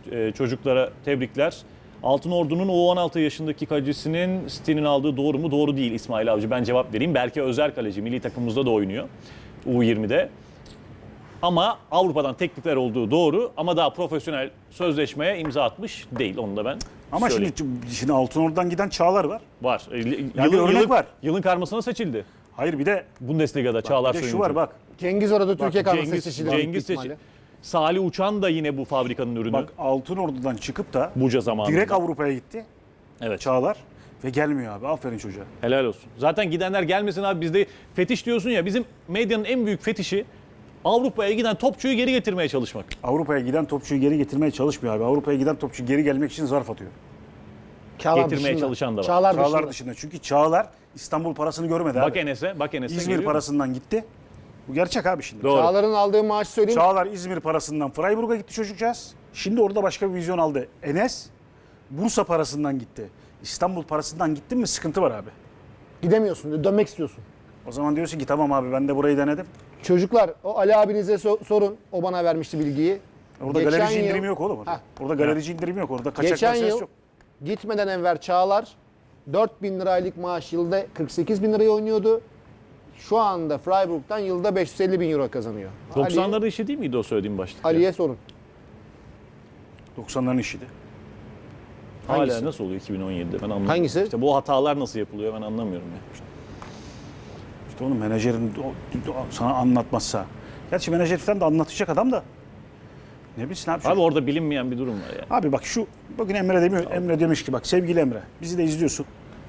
Çocuklara tebrikler. Altınordu'nun U16 yaşındaki kalecisinin City'nin aldığı doğru mu? Doğru değil İsmail Avcı. Ben cevap vereyim. Berke Özer kaleci. Milli takımımızda da oynuyor. U20'de. Ama Avrupa'dan teklifler olduğu doğru. Ama daha profesyonel sözleşmeye imza atmış değil. Onu da ben Ama söyleyeyim. şimdi Altınordu'dan giden Çağlar var. Var. bir örnek var. Yılın karmasına seçildi. Hayır bir de Bundesliga'da Çağlar şu Söyüncü. var bak. Cengiz orada Türkiye kadrosu Cengiz seçildi. seçildi. Salih Uçan da yine bu fabrikanın ürünü. Bak Altınordu'dan çıkıp da Buca zamanında. direkt Avrupa'ya gitti. Evet. Çağlar ve gelmiyor abi. Aferin çocuğa. Helal olsun. Zaten gidenler gelmesin abi, bizde fetiş diyorsun ya, bizim medyanın en büyük fetişi Avrupa'ya giden topçuyu geri getirmeye çalışmak. Avrupa'ya giden topçuyu geri getirmeye çalışmıyor abi. Avrupa'ya giden topçu geri gelmek için zarf atıyor. Getirmeye çalışan da var. Çağlar dışında. Çünkü Çağlar İstanbul parasını görmedi Bak abi. Enes'e İzmir geliyor. parasından gitti. Bu gerçek abi şimdi. Doğru. Çağlar'ın aldığı maaşı söyleyeyim. Çağlar İzmir parasından Freiburg'a gitti çocukcağız. Şimdi orada başka bir vizyon aldı. Enes Bursa parasından gitti. İstanbul parasından gittin mi sıkıntı var abi. Gidemiyorsun, dönmek istiyorsun. O zaman diyorsun ki tamam abi ben de burayı denedim. Çocuklar o Ali abinize sorun. O bana vermişti bilgiyi. Orada Geçen galerici yıl- indirimi yok oğlum. Heh. Orada galerici indirimi yok. Orada kaçak Geçen meselesi yıl yok. gitmeden evvel Çağlar 4.000 liraylık maaş yılda 48 bin liraya oynuyordu. Şu anda Freiburg'dan yılda 550 bin euro kazanıyor. 90'ların işi değil miydi o söylediğim başta? Ali'ye sorun. 90'ların işiydi. Hala Hangisi? nasıl oluyor 2017'de ben anlamıyorum. Hangisi? İşte bu hatalar nasıl yapılıyor ben anlamıyorum ya. İşte onun menajerin sana anlatmazsa. Gerçi menajer falan da anlatacak adam da. Ne bilsin abi. Abi orada bilinmeyen bir durum var ya. Abi bak bugün Emre demiyor. Tamam. Emre demiş ki bak sevgili Emre bizi de izliyorsun.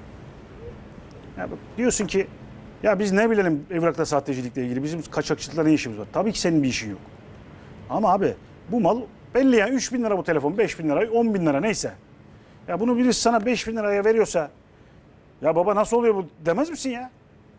Ya bak, diyorsun ki ya biz ne bilelim evrakta sahtecilikle ilgili bizim kaçakçılıkla ne işimiz var? Tabii ki senin bir işin yok. Ama abi bu mal belli yani 3 bin lira bu telefon 5 bin lira 10 bin lira neyse. Ya bunu birisi sana 5 bin liraya veriyorsa ya baba nasıl oluyor bu demez misin ya?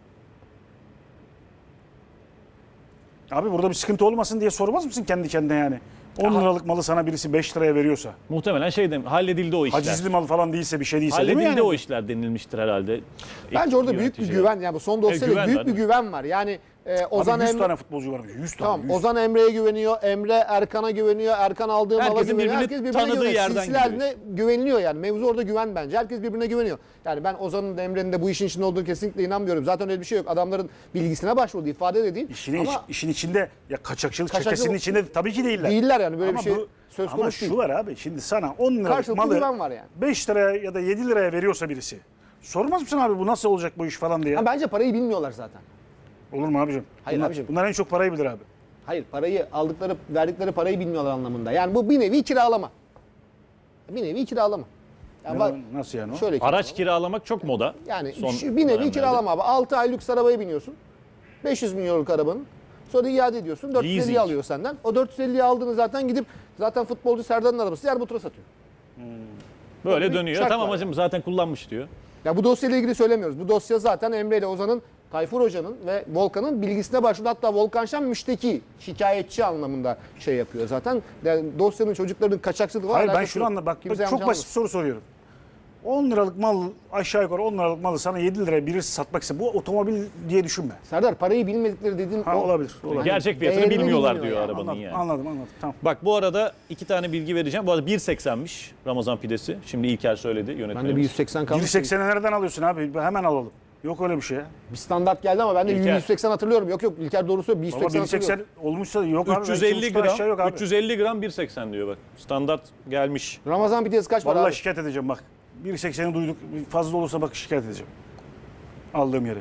Abi burada bir sıkıntı olmasın diye sormaz mısın kendi kendine yani? 10 liralık malı sana birisi 5 liraya veriyorsa. Muhtemelen halledildi o işler. Hacizli mal falan değilse bir şey değilse değil mi Halledildi yani? o işler denilmiştir herhalde. Bence orada büyük bir Yöneticiler. güven. Yani bu son dosyada güven büyük var, bir değil mi? güven var. Yani Ozan Abi 100 Emre... tane futbolcu varmış. 100 tane. Tamam 100. Ozan Emre'ye güveniyor, Emre Erkan'a güveniyor, Erkan aldığı mala Herkesin güveniyor. birbirini Herkes birbirine tanıdığı güveniyor. yerden Silsile gidiyor haline güveniliyor yani. Mevzu orada güven bence. Herkes birbirine güveniyor. Yani ben Ozan'ın da Emre'nin de bu işin içinde olduğunu kesinlikle inanmıyorum. Zaten öyle bir şey yok. Adamların bilgisine başvurdu, ifade de değil. Ama İşin içinde ya kaçakçılık Kaçakçılık- çetesinin içinde tabii ki değiller. değiller yani böyle Ama bir şey bu- söz ama konusu değil. şu var abi şimdi sana 10 liralık Karşılıklı güven malı var yani. 5 liraya ya da 7 liraya veriyorsa birisi. Sormaz mısın abi bu nasıl olacak bu iş falan diye? Ha, bence parayı bilmiyorlar zaten. Olur mu abicim? Hayır abicim. Bunlar en çok parayı bilir abi. Hayır parayı verdikleri parayı bilmiyorlar anlamında. Yani bu bir nevi kiralama. Bir nevi kiralama. Yani Nasıl yani o? şöyle Araç kiralamak çok moda. Yani son bir nevi dönemlerde. kiralama abi. 6 ay lüks arabaya biniyorsun. 500 milyonluk arabanın. Sonra iade ediyorsun. 450 Leasing. alıyor senden. O 450'yi aldığını zaten gidip zaten futbolcu Serdar'ın arabası Yerbutur'a satıyor. Böyle bir dönüyor. şart Tamam var. hacım zaten kullanmış diyor. Ya bu dosyayla ilgili söylemiyoruz. Bu dosya zaten Emre ile Ozan'ın, Tayfur Hoca'nın ve Volkan'ın bilgisine başvurdu. Hatta Volkan Şen müşteki, şikayetçi anlamında şey yapıyor zaten. Yani dosyanın çocukların kaçakçılığı var. Hayır ben alakası şunu yok. anladım. Bak Kimse yanlış çok basit anlamasın. bir soru soruyorum. 10 liralık mal aşağı yukarı 10 liralık malı sana 7 liraya birisi satmak ise bu otomobil diye düşünme. Serdar parayı bilmedikleri dediğin Ha, olabilir. Gerçek fiyatını değerini bilmiyorlar bilmiyor diyor yani. arabanın Anladım, yani. anladım. Tamam. Bak bu arada 2 tane bilgi vereceğim. Bu arada 1.80'miş Ramazan pidesi. Şimdi İlker söyledi Ben de yönetmenimiz. bir 180 kalmış. 1.80'e nereden alıyorsun abi? Hemen alalım. Yok öyle bir şey ya. Bir standart geldi ama ben de İlker. 180 hatırlıyorum. Yok İlker doğru söylüyor. Baba 180 1.80 hatırlıyorum. olmuşsa yok abi. 350 gram. Aşağı yok gram, abi. 350 gram 1.80 diyor bak. Standart gelmiş. Ramazan pidesi kaç para Vallahi abi? şikayet edeceğim bak. 1.80'i duyduk. Fazla olursa bak şikayet edeceğim. Aldığım yere.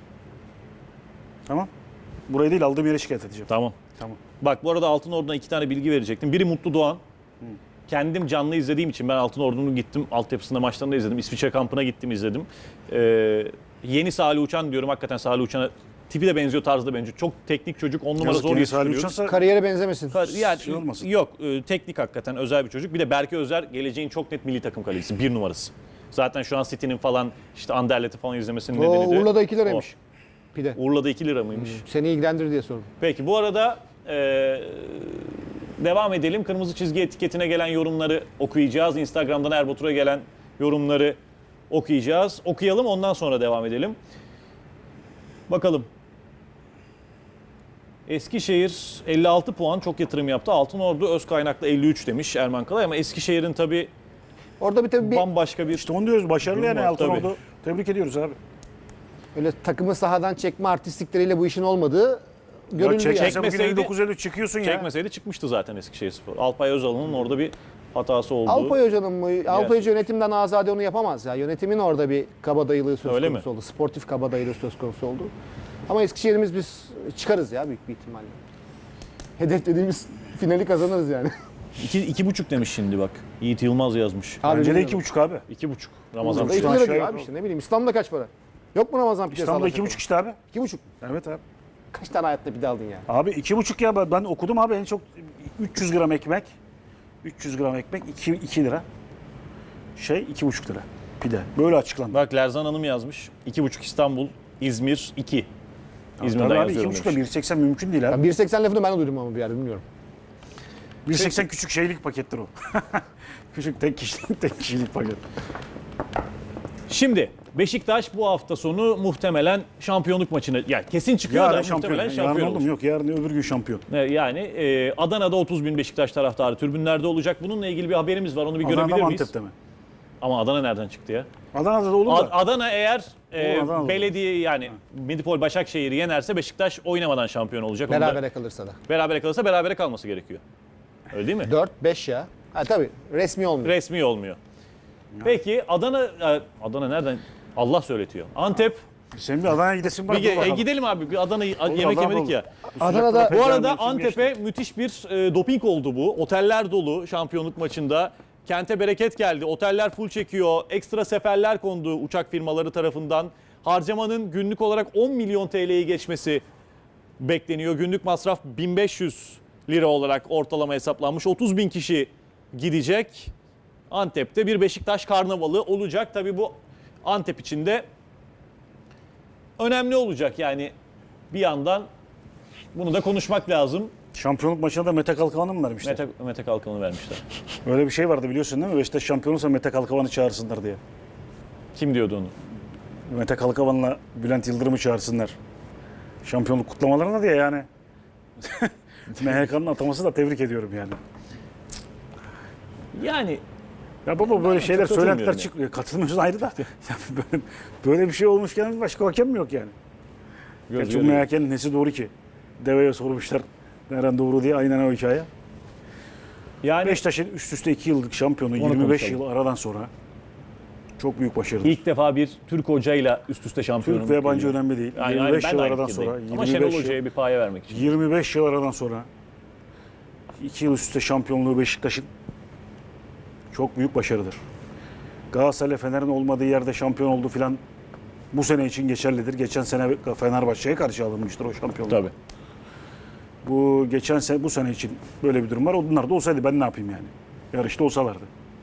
Tamam. Burayı değil aldığım yere şikayet edeceğim. Tamam. Tamam. Bak bu arada Altınordu'na 2 tane bilgi verecektim. Biri Mutlu Doğan. Kendim canlı izlediğim için ben Altınordu'nu gittim. Altyapısında maçlarını da izledim. İsviçre kampına gittim izledim. Yeni Salih Uçan diyorum. Hakikaten Salih Uçan'a tipi de benziyor, tarzı da benziyor. Çok teknik çocuk. 10 numara Yazık zor yine Salih yetiştiriyoruz. Uçan'sa Kariyere benzemesin. Yani, şey olmasın. yok teknik hakikaten özel bir çocuk. Bir de Berke Özer geleceğin çok net milli takım kalecisi. 1 numarası. Zaten şu an City'nin falan işte Anderlet'i falan izlemesinin O nedeni de Urla'da 2 liraymış. Pide. Urla'da 2 lira mıymış? Seni ilgilendirir diye sordum. Peki bu arada devam edelim. Kırmızı çizgi etiketine gelen yorumları okuyacağız. Instagram'dan Erbatur'a gelen yorumları okuyacağız. Okuyalım ondan sonra devam edelim. Bakalım. Eskişehir 56 puan, çok yatırım yaptı. Altınordu öz kaynaklı 53 demiş Erman Kalay ama Eskişehir'in tabii Orada bir tabii bir bambaşka bir İşte onu diyoruz, başarılı yani Durum var, Altınordu. Tebrik ediyoruz abi. öyle takımı sahadan çekme artistlikleriyle bu işin olmadığı görüldü Çekmese yani. bugün Çekmeseydi- 59-53 çıkıyorsun ya. çekmeseydi çıkmıştı zaten Eskişehirspor. Alpay Özal'ın orada bir hatası oldu. Alpay Hoca'nın mı? Alpay Hoca yönetimden azade onu yapamaz ya. Yönetimin orada bir kabadayılığı söz Öyle konusu mi? oldu. Sportif kabadayılığı söz konusu oldu. Ama Eskişehir'imiz biz çıkarız ya büyük bir ihtimalle. Hedeflediğimiz finali kazanırız yani. 2,5 demiş şimdi bak. Yiğit Yılmaz yazmış. Bence de bilmiyorum. 2,5 abi. 2,5 Ramazan. Burada 2 aşağı lira diyor yok abi o. işte ne bileyim. İstanbul'da kaç para? Yok mu Ramazan pidesi? İstanbul'da 2,5 işte abi. 2,5. Evet abi. Kaç tane hayatta pide aldın ya? Abi 2,5 ya, ben okudum abi, en çok 300 gram ekmek. 300 gram ekmek 2 lira. 2,5 lira pide. Böyle açıklandı. Bak Lerzan Hanım yazmış. 2,5 İstanbul, İzmir 2. İzmir'den Tabii abi yazıyorum 2,5 ile demiş. 1,80 mümkün değil abi. Ben 1.80 lafını ben de duydum ama bir yerde bilmiyorum. 1,80 küçük şeylik pakettir o. Küçük tek kişilik paket. Şimdi Beşiktaş bu hafta sonu muhtemelen şampiyonluk maçını, yani kesin çıkıyor Yarın da şampiyon. muhtemelen Yarın şampiyon oldum olacak. yok. Yarın öbür gün şampiyon. Yani Adana'da 30 bin Beşiktaş taraftarı tribünlerde olacak. Bununla ilgili bir haberimiz var. Onu bir Adana'da görebilir mı miyiz? Antep'te mi? Ama Adana nereden çıktı ya? Adana'da da olur da. Adana eğer Adana'da belediye yani Medipol Başakşehir'i yenerse Beşiktaş oynamadan şampiyon olacak. Onu da Berabere kalırsa da. berabere kalırsa berabere kalması gerekiyor. Öyle değil mi? 4-5 ya. Ha tabii resmi olmuyor. Resmi olmuyor. Peki Adana nereden? Allah söyletiyor. Antep. Senin bir Adana'ya gidesin var. Gidelim abi. Bir Adana'yı yemek Adana yemedik olur. ya. Adana'da- Bu arada Antep'e müthiş bir doping oldu bu. Oteller dolu şampiyonluk maçında. Kente bereket geldi. Oteller full çekiyor. Ekstra seferler kondu uçak firmaları tarafından. Harcamanın günlük olarak 10 milyon TL'yi geçmesi bekleniyor. Günlük masraf 1500 lira olarak ortalama hesaplanmış. 30 bin kişi gidecek. Antep'te bir Beşiktaş karnavalı olacak. Tabii bu Antep için de önemli olacak. Yani bir yandan bunu da konuşmak lazım. Şampiyonluk maçına da Mete Kalkavan'ı mı vermişler? Mete Kalkan'ı vermişler. Öyle bir şey vardı biliyorsun değil mi? Beşiktaş şampiyon olursa Mete Kalkavan'ı çağırsınlar diye. Kim diyordu onu? Mete Kalkavan'la Bülent Yıldırım'ı çağırsınlar. Şampiyonluk kutlamalarına diye yani. MHK'nın ataması da tebrik ediyorum yani. Yani Ya baba böyle şeyler katılmıyorum söylentiler yani. çıkıyor. Katılmıyorsun ayrı da. Ya böyle bir şey olmuşken başka hakem mi yok yani? Gerçi bu MHK'nin nesi doğru ki? Deveye sormuşlar nereden doğru diye, aynen o hikaye. yani Beşiktaş'ın üst üste 2 yıllık şampiyonu, Onu 25 konuşalım. yıl aradan sonra çok büyük başarı. ilk defa bir Türk hocayla üst üste şampiyonluk Türk ve yabancı geliyor. önemli değil. Aynen, 25 ben yıl de aynı aradan sonra, fikirdeyim. Ama Şenol Hoca'ya bir paye vermek için. 25 yıl aradan sonra 2 yıl üst üste şampiyonluğu Beşiktaş'ın çok büyük başarıdır. Galatasaray Fener'in olmadığı yerde şampiyon oldu filan bu sene için geçerlidir. Geçen sene Fenerbahçe'ye karşı alınmıştır o şampiyonluk. Tabii. Bu geçen sene, bu sene için böyle bir durum var. Onlar da olsaydı ben ne yapayım yani? Yarışta olsalardı.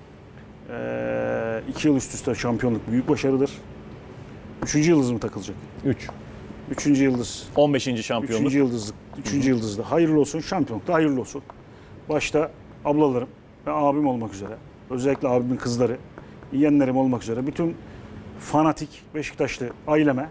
2 yıl üst üste şampiyonluk büyük başarıdır. 3. yıldız mı takılacak? 3. 3. yıldız. 15. 3. şampiyonluk. yıldızlık. 3. yıldızda hayırlı olsun. Şampiyonlukta hayırlı olsun. Başta ablalarım ve abim olmak üzere. Özellikle abimin kızları, yeğenlerim olmak üzere. Bütün fanatik Beşiktaşlı aileme,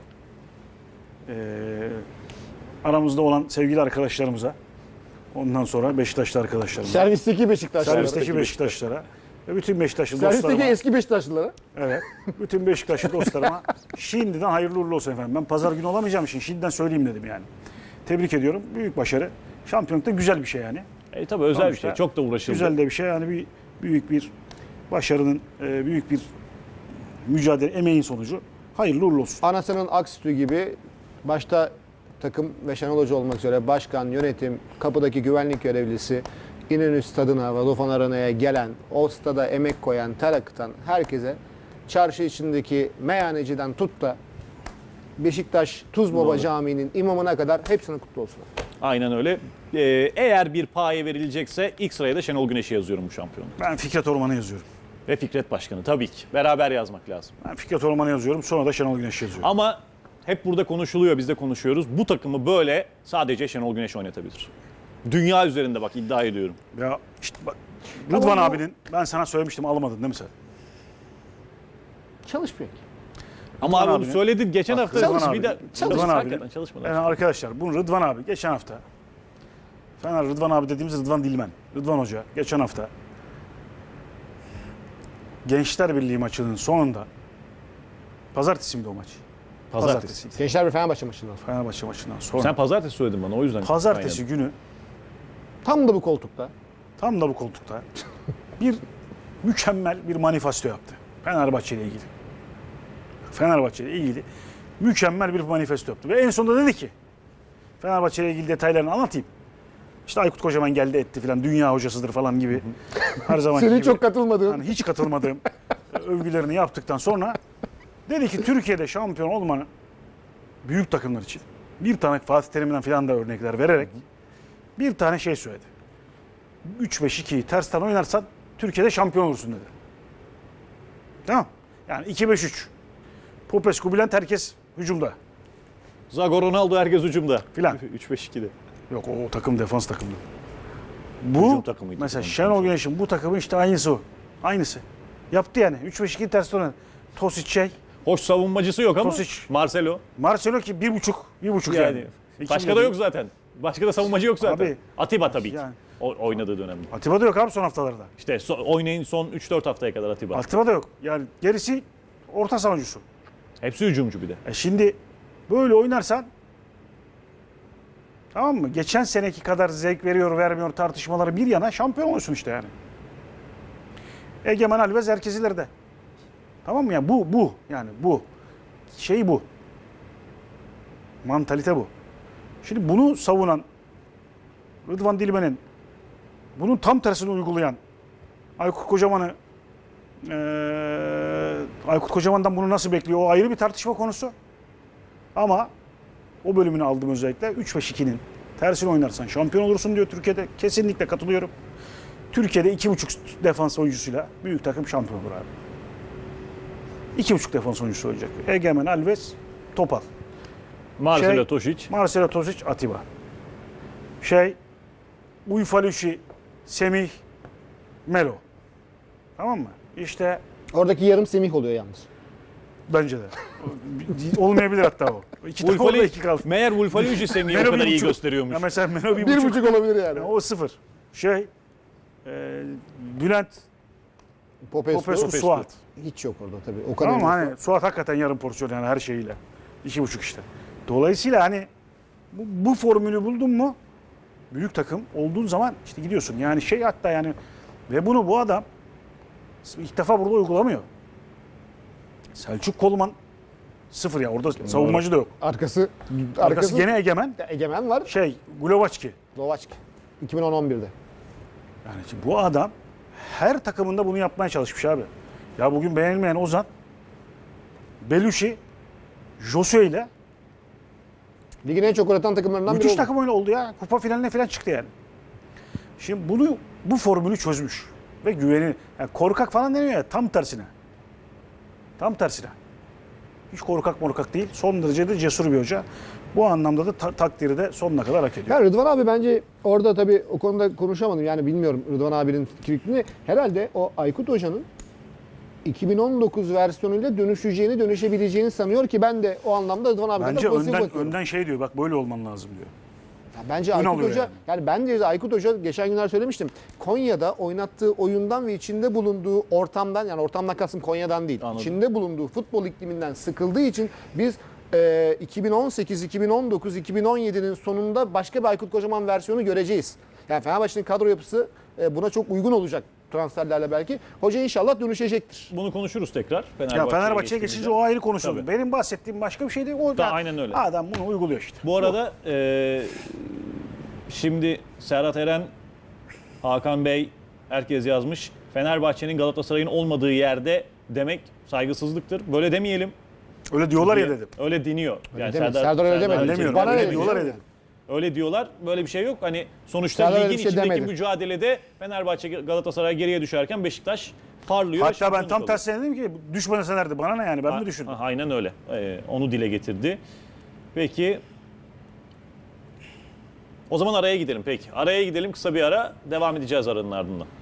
aramızda olan sevgili arkadaşlarımıza, ondan sonra Beşiktaşlı arkadaşlarıma, Servisteki Beşiktaşlılara. servisteki Beşiktaşlara ve bütün Beşiktaşlı Servisteki dostlarıma, eski Beşiktaşlılara. evet, bütün Beşiktaşlı dostlarıma şimdiden hayırlı uğurlu olsun efendim. Ben pazar günü olamayacağım için şimdiden söyleyeyim dedim yani. Tebrik ediyorum. Büyük başarı. Şampiyonlukta güzel bir şey yani. Tabii özel bir Sonuçta şey. Çok da uğraşıldı. Güzel de bir şey yani, büyük bir başarının, büyük bir mücadele, emeğin sonucu. Hayırlı uğurlu olsun. Anasının ak sütü gibi başta takım ve Şenol Hoca olmak üzere başkan, yönetim, kapıdaki güvenlik görevlisi, İnönü Stadı'na ve Vodafone Arena'ya gelen, o stada emek koyan, ter akıtan herkese, çarşı içindeki meyhaneciden tut da Beşiktaş Tuzbaba Camii'nin imamına kadar hepsinin kutlu olsun. Aynen öyle. Eğer bir paye verilecekse ilk sıraya da Şenol Güneş'i yazıyorum bu şampiyonluk. Ben Fikret Orman'ı yazıyorum. Ve Fikret Başkanı tabii ki. Beraber yazmak lazım. Ben Fikret Orman'ı yazıyorum. Sonra da Şenol Güneş'i yazıyorum. Ama hep burada konuşuluyor, biz de konuşuyoruz. Bu takımı böyle sadece Şenol Güneş oynatabilir. Dünya üzerinde bak iddia ediyorum. Ya işte bak, Rıdvan abinin, ben sana söylemiştim, alamadın değil mi sen? Çalışmıyor ki. Ama abi onu abinin- söyledin geçen hafta. Rıdvan Bir abinin- de Rıdvan çalıştı, abinin- hakikaten çalışmadı. Yani arkadaşlar bunu Rıdvan abi geçen hafta Fener Rıdvan abi dediğimiz Rıdvan Dilmen. Rıdvan Hoca geçen hafta Gençler Birliği maçının sonunda pazartesi miydi o maç? Pazartesi. Gençler bir Fenerbahçe maçından sonra. Fenerbahçe maçından sonra. Sen pazartesi söyledin bana o yüzden. Pazartesi günü Tam da bu koltukta. tam da bu koltukta bir mükemmel bir manifesto yaptı. Fenerbahçe ile ilgili. Fenerbahçe ile ilgili mükemmel bir manifesto yaptı. Ve en sonunda dedi ki Fenerbahçe ile ilgili detaylarını anlatayım. İşte Aykut Kocaman geldi etti filan, dünya hocasıdır falan gibi. Her zaman Senin gibi. çok katılmadığın. Yani hiç katılmadığım övgülerini yaptıktan sonra dedi ki Türkiye'de şampiyon olmanın büyük takımlar için bir tane Fatih Terim'den filan da örnekler vererek bir tane şey söyledi. 3-5-2'yi tersten oynarsan Türkiye'de şampiyon olursun dedi. Tamam. Yani 2-5-3. Popescu, Bülent herkes hücumda. Zago, Ronaldo herkes hücumda. Filan. 3-5-2'de. Yok o takım defans takımı. Hücum Bu takımıydı. mesela Tamam, Şenol Güneş'in bu takımı işte aynısı o. Aynısı. Yaptı yani. 3-5-2'yi tersten oynadı. Tosic şey. Hoş savunmacısı yok ama Tosic. Marcelo. Marcelo ki 1,5 yani. Yani başka da yok zaten. Başka da savunmacı yok zaten. Abi, Atiba tabii ki. yani. Oynadığı dönemde. Atiba da yok abi son haftalarda. İşte oynayın son 3-4 haftaya kadar Atiba. Atiba da yok. Yani gerisi orta savunucusu. Hepsi hücumcu bir de. Şimdi böyle oynarsan tamam mı? Geçen seneki kadar zevk veriyor vermiyor tartışmaları bir yana şampiyon olursun işte yani. Egemen Alves herkes ileride. Tamam mı? Yani bu yani bu. Şey bu. Mantalite bu. Şimdi bunu savunan Rıdvan Dilmen'in bunun tam tersini uygulayan Aykut Kocaman'ı Aykut Kocaman'dan bunu nasıl bekliyor? O ayrı bir tartışma konusu. Ama o bölümünü aldım özellikle. 3-5-2'nin tersini oynarsan şampiyon olursun diyor Türkiye'de. Kesinlikle katılıyorum. Türkiye'de 2,5 defans oyuncusuyla büyük takım şampiyon olur abi. 2,5 defans oyuncusu olacak. Egemen, Alves, Topal. Marcelo Tosic. Marcelo Tosic, Atiba. Uyfaluşi, Semih, Melo. Tamam mı? İşte Oradaki yarım Semih oluyor yalnız. bence de. Olmayabilir hatta o. İki tane orada iki kaldı. Meğer Wolfaliucci Semih'i o Melo kadar iyi 1,5. gösteriyormuş. Ya mesela Melo 1,5. 1,5 olabilir yani. O 0. Bülent, Popescu, Suat. Hiç yok orada tabii. O kadar. Tamam mı? Hani Suat hakikaten yarım porsiyon yani her şeyiyle. 2,5 işte. Dolayısıyla hani bu formülü buldun mu büyük takım olduğun zaman işte gidiyorsun. Yani hatta yani ve bunu bu adam ilk defa burada uygulamıyor. Selçuk Kolman 0 ya orada savunmacı da yok. Arkası Gene Egemen. Egemen var. Glovaçki. Lovaçki. 2011'de. Yani şimdi bu adam her takımında bunu yapmaya çalışmış abi. Ya bugün beğenilmeyen Ozan, Belushi, Josue ile Ligin en çok gol atan takımlarından biri müthiş oldu. takım oyunu oldu ya. Kupa finaline falan çıktı yani. Şimdi bu formülü çözmüş. Ve güveni. Yani korkak falan deniyor ya tam tersine. Tam tersine. Hiç korkak değil. Son derece de cesur bir hoca. Bu anlamda da takdiri de sonuna kadar hak ediyor. Ya Rıdvan abi bence orada tabii o konuda konuşamadım. Yani bilmiyorum Rıdvan abinin fikrini. Herhalde o Aykut Hoca'nın 2019 versiyonuyla dönüşebileceğini sanıyor ki ben de o anlamda Rıdvan abiden Bence pozitif bakıyorum. önden diyor bak böyle olman lazım diyor. Ya bence Ön Aykut alıyor Hoca yani bence Aykut Hoca geçen günler söylemiştim. Konya'da oynattığı oyundan ve içinde bulunduğu ortamdan yani ortamdan kastım Konya'dan değil. Anladım. İçinde bulunduğu futbol ikliminden sıkıldığı için biz 2018, 2019, 2017'nin sonunda başka bir Aykut Kocaman versiyonu göreceğiz. Yani Fenerbahçe'nin kadro yapısı buna çok uygun olacak transferlerle belki. Hoca inşallah dönüşecektir. Bunu konuşuruz tekrar. Ya Fenerbahçe'ye geçince o ayrı konuşuldu. Tabii. Benim bahsettiğim başka bir şey değil. O Da, aynen öyle. Adam bunu uyguluyor işte. Bu arada şimdi Serhat Eren, Hakan Bey herkes yazmış. Fenerbahçe'nin Galatasaray'ın olmadığı yerde demek saygısızlıktır. Böyle demeyelim. Öyle diyorlar ya dedim. Öyle deniyor. Yani demedim. Serdar öyle demedi. Demiyorum. Bana öyle öyle diyorlar ya diyor. dedim. Öyle diyorlar. Böyle bir şey yok. Hani sonuçta Serdar öyle ligin bir şey içindeki demedi. mücadelede Fenerbahçe Galatasaray geriye düşerken Beşiktaş parlıyor. Hatta ben şampiyonluk tam oluyor. tersine dedim ki düşmeselerdi bana ne yani ben mi düşündüm? Aynen öyle. Onu dile getirdi. Peki. O zaman araya gidelim peki. Araya gidelim, kısa bir ara. Devam edeceğiz aranın ardından.